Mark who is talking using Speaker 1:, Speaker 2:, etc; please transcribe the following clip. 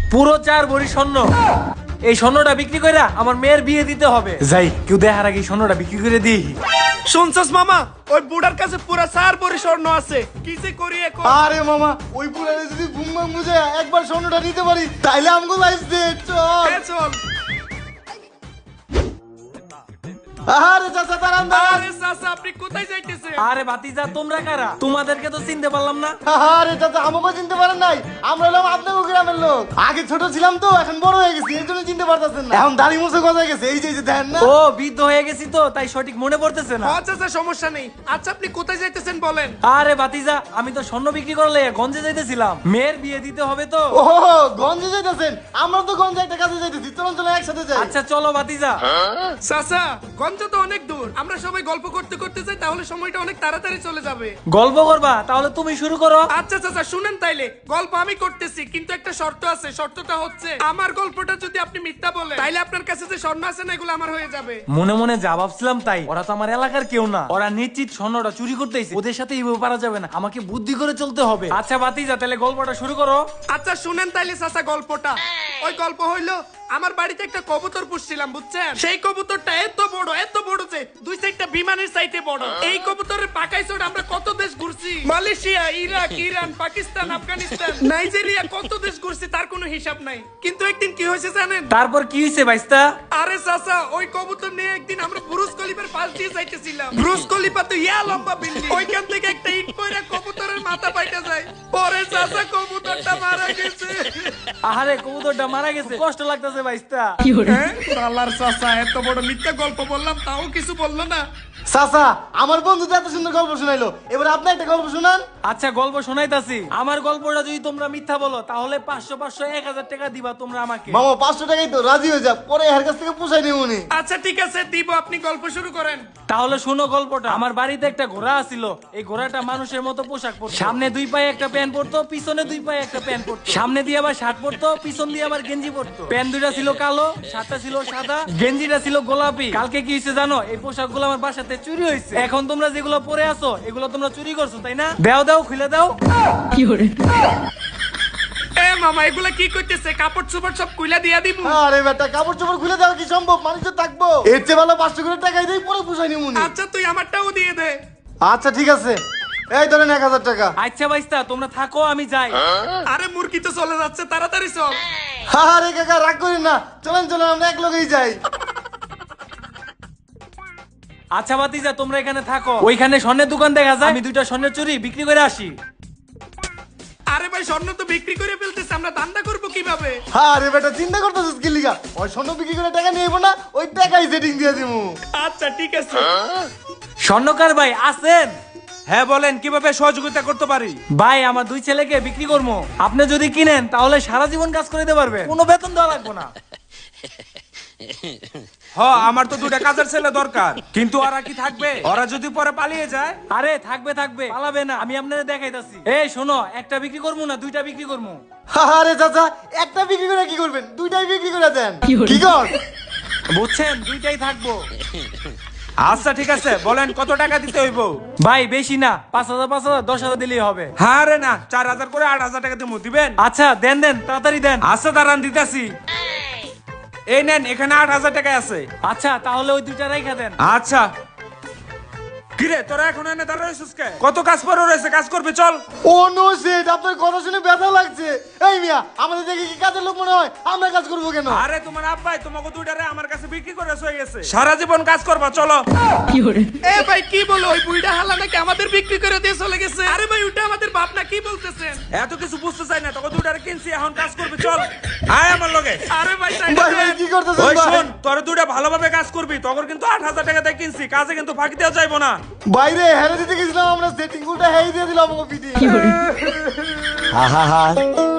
Speaker 1: পুরো 4 ভরি স্বর্ণ। এই স্বর্ণটা বিক্রি কইরা আমার মেয়ের বিয়ে দিতে হবে। যাই, কেউ দেখার আগে স্বর্ণটা বিক্রি করে দিই।
Speaker 2: শুনছস মামা, ওই বুড়ার কাছে পুরা 4 ভরি স্বর্ণ আছে, কিসে করি এখন?
Speaker 3: আরে মামা, ওই পুরানে যদি ঘুম ঘুম বুঝে একবার স্বর্ণটা নিতে পারি তাইলে আমগো লাইফ সেট। চল
Speaker 2: চল।
Speaker 3: আরে চাচা দাঁড়ান দাঁড়ান।
Speaker 2: আরে চাচা, আপনি কোথায় যাইতেছেন?
Speaker 1: আরে ভাতিজা, তোমরা কারা? তোমাদেরকে তো চিনতে পারলাম না।
Speaker 3: আরে চাচা, আমাকে চিনতে পারেন নাই? আমরা হলাম আপনাকে গ্রামের লোক। আগে ছোট ছিলাম তো, এখন বড় হয়ে গেছি, এই জন্য চিনতে পারতেছেন না। এখন দাড়ি মুছে গজায় গেছে, এই যে দেখেন না।
Speaker 1: ও, বৃদ্ধ হয়ে গেছি তো, তাই সঠিক মনে পড়তেছে না।
Speaker 2: হ্যাঁ চাচা, সমস্যা নেই। আচ্ছা, আপনি কোথায় যাইতেছেন বলেন?
Speaker 1: আরে ভাতিজা, আমি তো স্বর্ণ বিক্রি করলে গঞ্জে যাইতেছিলাম, মেয়ের বিয়ে দিতে হবে তো।
Speaker 3: ও গঞ্জে যাইতেছেন? আমরা তো গঞ্জে একটা কাজে যাইতেছি, চলুন চলুন একসাথে যাই।
Speaker 1: আচ্ছা চলো ভাতিজা।
Speaker 2: চাচা, গঞ্জ তো অনেক দূর, আমরা সবাই গল্প করতে করতে যাই, তাহলে সময়টা অনেক তাড়াতাড়ি চলে যাবে।
Speaker 1: গল্প করবা? তাহলে তুমি শুরু করো।
Speaker 2: আচ্ছা চাচা, শুনেন তাইলে, গল্প আমি করতেছি, কিন্তু একটা শর্ত আছে। শর্তটা হচ্ছে, আমার গল্পটা যদি আপনি মিথ্যা বলেন, তাইলে আপনার কাছে যে স্বর্ণ আছে না, এগুলো আমার হয়ে যাবে।
Speaker 1: মনে মনে যা ভাবছিলাম তাই। ওরা তো আমার এলাকার কেউ না, ওরা নিশ্চিত স্বর্ণটা চুরি করতেছে। ওদের সাথে এইভাবে পারা যাবে না, আমাকে বুদ্ধি করে চলতে হবে। আচ্ছা ভাতিজা, তাহলে গল্পটা শুরু করো।
Speaker 2: আচ্ছা শুনেন তাইলে চাচা গল্পটা। ওই গল্প হইলো, আমার বাড়িতে একটা কবুতর পুষছিলাম, বুঝছেন? সেই কবুতরটা এত বড় যে 2 সাইডটা বিমানের সাইডে বড়। এই কবুতরের পাকাই চড় আমরা কত দেশ ঘুরছি, Malaysia, Iraq, Iran, Pakistan, Afghanistan, Nigeria, কত দেশ ঘুরছি, তার কোনো হিসাব নাই। কিন্তু একদিন কি হয়েছে জানেন?
Speaker 1: তারপর কি হয়েছে ভাইস্তা?
Speaker 2: আরে চাচা, ওই কবুতর নিয়ে একদিন আমরা বুরুজ খলিফার পাশ দিয়ে যাইতেছিলাম। বুরুজ খলিফা তো ইয়া লম্বা বিল্ডিং, ওইখান থেকে একটা ইট পয়রা কবুতরের মাথা পাইটা যায়। পরে চাচা, কবুতরটা মারা গেছে।
Speaker 1: আরে কবুতরটা মারা গেছে, কষ্ট লাগতেছে ভাইস্তা।
Speaker 2: হ্যাঁ? শালার চাচা, এত বড় মিথ্যা গল্প বললাম, তাও কিছু বললো না।
Speaker 3: চাচা, আমার বন্ধু তো এত সুন্দর গল্প শোনাইলো, এবার আপনি একটা গল্প শুনান।
Speaker 1: আচ্ছা গল্প শোনাইতাছি। আমার গল্পটা যদি তোমরা মিথ্যা বলো, তাহলে 500 500 1000 টাকা দিবা তোমরা আমাকে।
Speaker 3: মামা 500 টাকাই তো, রাজি হয়ে যা, পরে এর কাছ থেকে পুষাই নেব উনি।
Speaker 2: আচ্ছা ঠিক আছে, দিব, আপনি গল্প শুরু করেন।
Speaker 1: তাহলে শোনো গল্পটা। আমার বাড়িতে একটা ঘোড়া ছিল। এই ঘোড়াটা মানুষের মতো পোশাক পরতো। সামনে 2 পায়ে একটা প্যান্ট পরতো, পিছনে 2 পায়ে একটা প্যান্ট পরতো। সামনে দিয়ে আবার শার্ট পরতো, পিছন দিয়ে আবার গেঞ্জি পরতো। প্যান্ট দুইটা ছিল কালো, শার্টটা ছিল সাদা, গেঞ্জিটা ছিল গোলাপি। কালকে কি হয়েছে জানো? এই পোশাকগুলো আমার বাসাতে চুরি হয়েছে। এখন তোমরা যেগুলো পরে আছো, এগুলো তোমরা চুরি করছো, তাই না? দাও দাও, খুলে দাও।
Speaker 2: এ মামা, এগুলা কি করতেছে? কাপড় চোপড় সব কুইলা দিয়া দিব।
Speaker 3: আরে বেটা, কাপড় চোপড় খুলে দেওয়া কি সম্ভব? মানুষ তো থাকবো, এর চেয়ে ভালো 500 করে টাকাই দেই, পরে পুষাই নেব উনি।
Speaker 2: আচ্ছা, তুই আমারটাও দিয়ে দে।
Speaker 3: আচ্ছা ঠিক আছে, এই ধরেন 1000 টাকা।
Speaker 1: আচ্ছা ভাইস্তা, তোমরা থাকো, আমি যাই।
Speaker 2: আরে মুরগি তো চলে যাচ্ছে, তাড়াতাড়ি চল।
Speaker 3: আরে কাকা, রাগ করেন না, চলেন চলেন, আমরা এক লগেই যাই।
Speaker 1: আচ্ছা ভাতিজা, তোমরা এখানে থাকো। ওইখানে স্বর্ণের দোকান দেখা যায়, আমি 2টা স্বর্ণের চুরি বিক্রি করে আসি।
Speaker 2: আরে ভাই, স্বর্ণ তো বিক্রি করে ফেলতেছে, আমরা দান্দা করবো কিভাবে?
Speaker 3: আরে বেটা, চিন্তা করতেছিস কি লিগা? ওই স্বর্ণ বিক্রি করে টাকা নিয়ে না, ওই টাকাই সেটিং দিয়ে দিমু।
Speaker 2: আচ্ছা ঠিক আছে।
Speaker 1: স্বর্ণকার ভাই আছেন?
Speaker 4: হ্যাঁ বলেন, কিভাবে সহযোগিতা করতে পারি?
Speaker 1: ভাই, আমার 2 ছেলেকে বিক্রি করবো। আপনি যদি কিনেন তাহলে সারা জীবন কাজ করে দিতে পারবে, কোনো বেতন দেওয়া লাগবে না।
Speaker 4: আমার তো 2টা কাজের ছেলে দরকার, কিন্তু ওরা কি থাকবে? ওরা যদি পরে পালিয়ে যায়?
Speaker 1: আরে থাকবে থাকবে, পালাবে না। আমি আপনাদের দেখাইতাছি। এই শোনো, একটা বিক্রি করবো না 2টা বিক্রি করবো?
Speaker 3: আরে চাচা, একটা বিক্রি করে কি করবেন? দুইটাই বিক্রি করে দেন। কি কর?
Speaker 1: বুঝছেন, 2টাই থাকবো।
Speaker 4: আচ্ছা ঠিক আছে, বলেন কত টাকা দিতে হইব?
Speaker 1: ভাই বেশি না, 5000 5000 10,000 দিলেই হবে।
Speaker 4: হ্যাঁ রে না, 4000 করে 8000 টাকা দিয়ে দিবেন?
Speaker 1: আচ্ছা দেন দেন, তাড়াতাড়ি দেন।
Speaker 4: আচ্ছা দাঁড়ান, দিতেছি। এই নেন, এখানে 8000 টাকা আছে।
Speaker 1: আচ্ছা তাহলে ওই 2টা রাইখা দেন।
Speaker 4: আচ্ছা। কিরে, তোরা এখন এনে দাঁড়া রইছিস কে? কত কাজ পড়ে রয়েছে, কাজ করবি, চল।
Speaker 3: ও নো সেট, আপনার কথা শুনে ব্যথা লাগছে। এই মিয়া, আমাদের দেখে কি কাজের লোক মনে হয়? আমরা কাজ করবো কেন?
Speaker 4: আরে তোমার আব্বাই তোমাকে 2টারে আমার কাছে বিক্রি করে হয়ে গেছে, সারা জীবন কাজ করবা, চলো।
Speaker 2: এ ভাই, কি বলো? ওই বুইড়া হালা নাকি আমাদের বিক্রি করে দিয়ে চলে গেছে? আরে ভাই, ওটা আমাদের বাপ না, কি বলতেছেন?
Speaker 4: এত কিছু বুঝতে চাই না, তোকে 2টারে কিনছি, এখন কাজ করবি, চল। আয় আমার লগে।
Speaker 2: আরে ভাই,
Speaker 3: ভাই ভাই, কি করতেছেন
Speaker 4: ওই
Speaker 3: ভাই?
Speaker 4: শোন, তোর 2টা ভালোভাবে কাজ করবি, তখন কিন্তু 8000 টাকা দিয়ে কিনছি, কাজে কিন্তু ফাঁকি দেওয়া যাইবো না।
Speaker 3: বাইরে হেরে দিতে গেছিলাম আমরা, সেটিং উল্টা হেই দিয়ে দিলাম আমাকে পিটি। হা হা হা